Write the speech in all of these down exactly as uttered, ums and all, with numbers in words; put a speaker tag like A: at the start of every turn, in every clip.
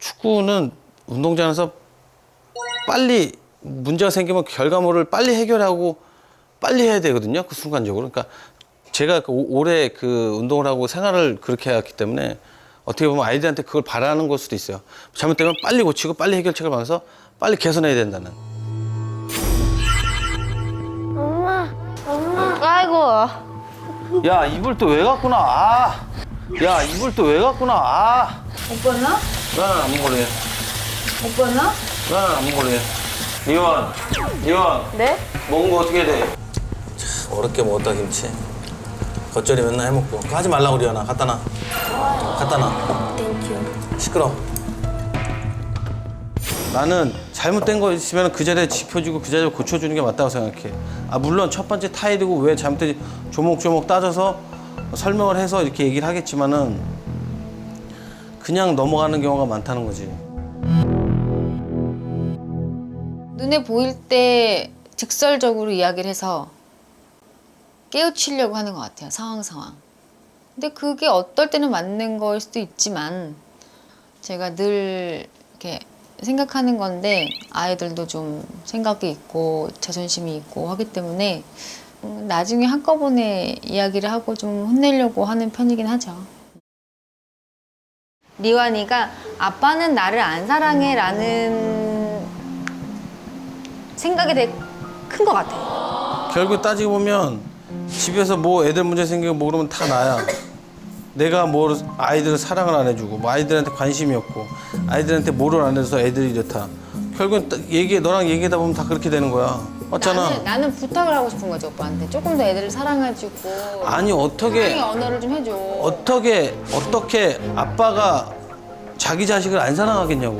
A: 축구는 운동장에서 빨리 문제가 생기면 결과물을 빨리 해결하고 빨리 해야 되거든요. 그 순간적으로. 그러니까 제가 그 오- 오래 그 운동을 하고 생활을 그렇게 해왔기 때문에 어떻게 보면 아이들한테 그걸 바라는 걸 수도 있어요. 잘못되면 빨리 고치고 빨리 해결책을 봐서 빨리 개선해야 된다는.
B: 엄마, 엄마. 아이고.
A: 야, 이불 또 왜 갖고 나? 아. 야, 이불 또 왜 갖고 나? 아.
C: 오빠나?
A: 나는 안 먹을래.
C: 오빠나?
A: 나는 안 먹을래. 이원, 이원.
B: 네?
A: 먹은 거 어떻게 돼? 참, 어렵게 먹었다, 김치. 겉절이 맨날 해먹고. 그거 하지 말라고, 리언아. 갖다 놔. 갖다 놔.
B: 땡큐.
A: 시끄러. 나는 잘못된 거 있으면 그 자리에 짚어주고 그 자리에 고쳐주는 게 맞다고 생각해. 아, 물론 첫 번째 타일이고 왜 잘못된지 조목조목 따져서 설명을 해서 이렇게 얘기를 하겠지만은 그냥 넘어가는 경우가 많다는 거지.
C: 눈에 보일 때 직설적으로 이야기를 해서 깨우치려고 하는 것 같아요. 상황 상황. 근데 그게 어떨 때는 맞는 거일 수도 있지만 제가 늘 이렇게 생각하는 건데 아이들도 좀 생각이 있고 자존심이 있고 하기 때문에 나중에 한꺼번에 이야기를 하고 좀 혼내려고 하는 편이긴 하죠. 리완이가 아빠는 나를 안 사랑해 라는 생각이 되게 큰 것 같아요.
A: 결국 따지고 보면 집에서 뭐 애들 문제 생기고 뭐 그러면 다 나야. 내가 뭐 아이들을 사랑을 안 해주고 뭐 아이들한테 관심이 없고 아이들한테 뭐를 안 해줘서 애들이 이렇다. 결국은 따- 얘기 너랑 얘기하다 보면 다 그렇게 되는 거야. 맞잖아.
C: 나는, 나는 부탁을 하고 싶은 거지 오빠한테. 조금 더 애들을 사랑해주고
A: 아니 어떻게
C: 사랑의 언어를 좀 해줘.
A: 어떻게 어떻게 아빠가 자기 자식을 안 사랑하겠냐고.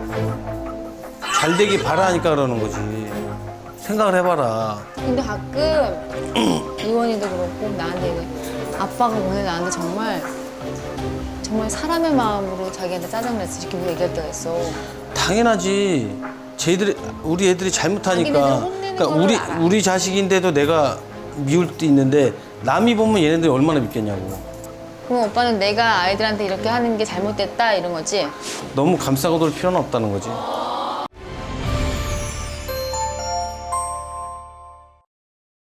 A: 잘 되기 바라니까 그러는 거지. 생각을 해봐라.
C: 근데 가끔 이원이도 그렇고 나한테 얘기해. 아빠가 오늘 나한테 정말 정말 사람의 마음으로 자기한테 짜증냈어 이렇게 얘기할 때가 있어.
A: 당연하지. 쟤들이 우리 애들이 잘못하니까.
C: 자기네들 혼내는
A: 그러니까
C: 거를
A: 우리
C: 알아.
A: 우리 자식인데도 내가 미울 때 있는데 남이 보면 얘네들이 얼마나 믿겠냐고.
C: 그럼 오빠는 내가 아이들한테 이렇게 하는 게 잘못됐다 이런 거지?
A: 너무 감싸고 돌 필요는 없다는 거지.